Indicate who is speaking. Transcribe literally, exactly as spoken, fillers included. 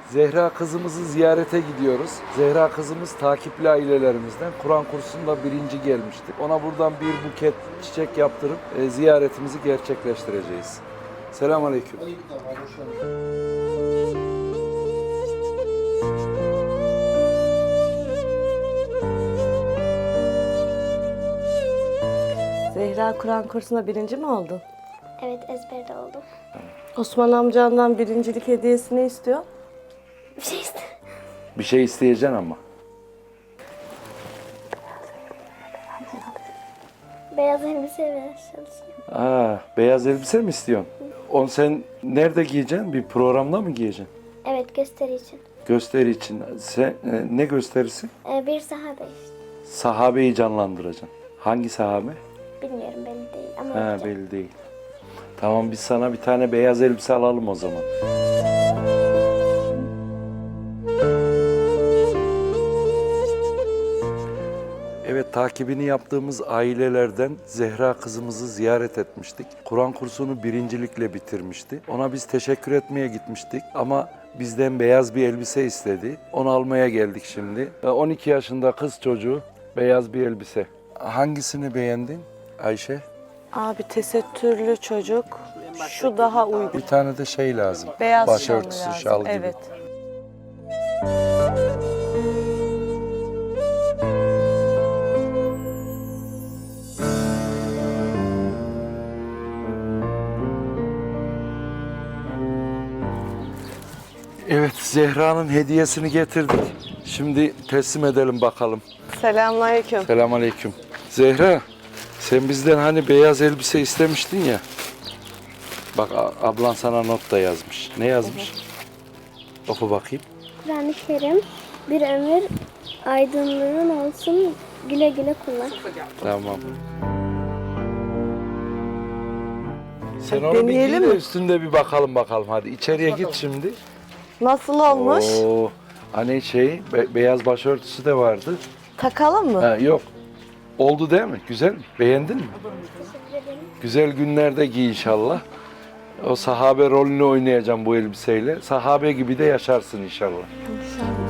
Speaker 1: Zehra kızımızı ziyarete gidiyoruz. Zehra kızımız takipli ailelerimizden. Kur'an kursunda birinci gelmişti. Ona buradan bir buket çiçek yaptırıp e, ziyaretimizi gerçekleştireceğiz. Selamünaleyküm.
Speaker 2: Zehra Kur'an kursuna birinci mi oldun?
Speaker 3: Evet, ezberde oldum.
Speaker 2: Osman amcandan birincilik hediyesi ne istiyor?
Speaker 3: Bir şey iste.
Speaker 1: Bir şey isteyeceksin ama.
Speaker 3: Beyaz elbise ve çalışıyorum.
Speaker 1: Aa, beyaz elbise mi istiyorsun? Onu sen nerede giyeceksin? Bir programda mı giyeceksin?
Speaker 3: Evet, gösteri için.
Speaker 1: Gösteri için. Sen, e, ne gösterisi?
Speaker 3: Ee, bir sahabe işte.
Speaker 1: Sahabeyi canlandıracaksın. Hangi sahabe?
Speaker 3: Bilmiyorum, belli değil ama
Speaker 1: Ha,
Speaker 3: yapacağım.
Speaker 1: belli değil. Tamam, biz sana bir tane beyaz elbise alalım o zaman. Evet, takibini yaptığımız ailelerden Zehra kızımızı ziyaret etmiştik. Kur'an kursunu birincilikle bitirmişti. Ona biz teşekkür etmeye gitmiştik ama bizden beyaz bir elbise istedi. Onu almaya geldik şimdi. on iki yaşında kız çocuğu, beyaz bir elbise. Hangisini beğendin Ayşe?
Speaker 2: Abi tesettürlü çocuk. Şu daha uygun.
Speaker 1: Bir tane de şey lazım.
Speaker 2: Beyaz
Speaker 1: başörtüsü,
Speaker 2: şal lazım.
Speaker 1: şal gibi.
Speaker 2: Evet.
Speaker 1: Evet, Zehra'nın hediyesini getirdik. Şimdi teslim edelim bakalım.
Speaker 2: Selamünaleyküm.
Speaker 1: Selamünaleyküm. Zehra, sen bizden hani beyaz elbise istemiştin ya. Bak, a- ablan sana not da yazmış. Ne yazmış? Oku bakayım.
Speaker 3: Kur'an-ı Kerim, bir ömür aydınlığın olsun, güle güle kullan.
Speaker 1: Tamam. Sen onu bir giy
Speaker 2: Deneyelim
Speaker 1: de
Speaker 2: mi?
Speaker 1: üstünde bir bakalım bakalım. Hadi içeriye git şimdi.
Speaker 2: Nasıl olmuş?
Speaker 1: Oo, hani şey, be- beyaz başörtüsü de vardı.
Speaker 2: Takalım mı?
Speaker 1: Ha, yok. Oldu değil mi? Güzel mi? Beğendin mi?
Speaker 3: Teşekkür ederim.
Speaker 1: Güzel günlerde giy inşallah. O sahabe rolünü oynayacağım bu elbiseyle. Sahabe gibi de yaşarsın inşallah.
Speaker 2: İnşallah.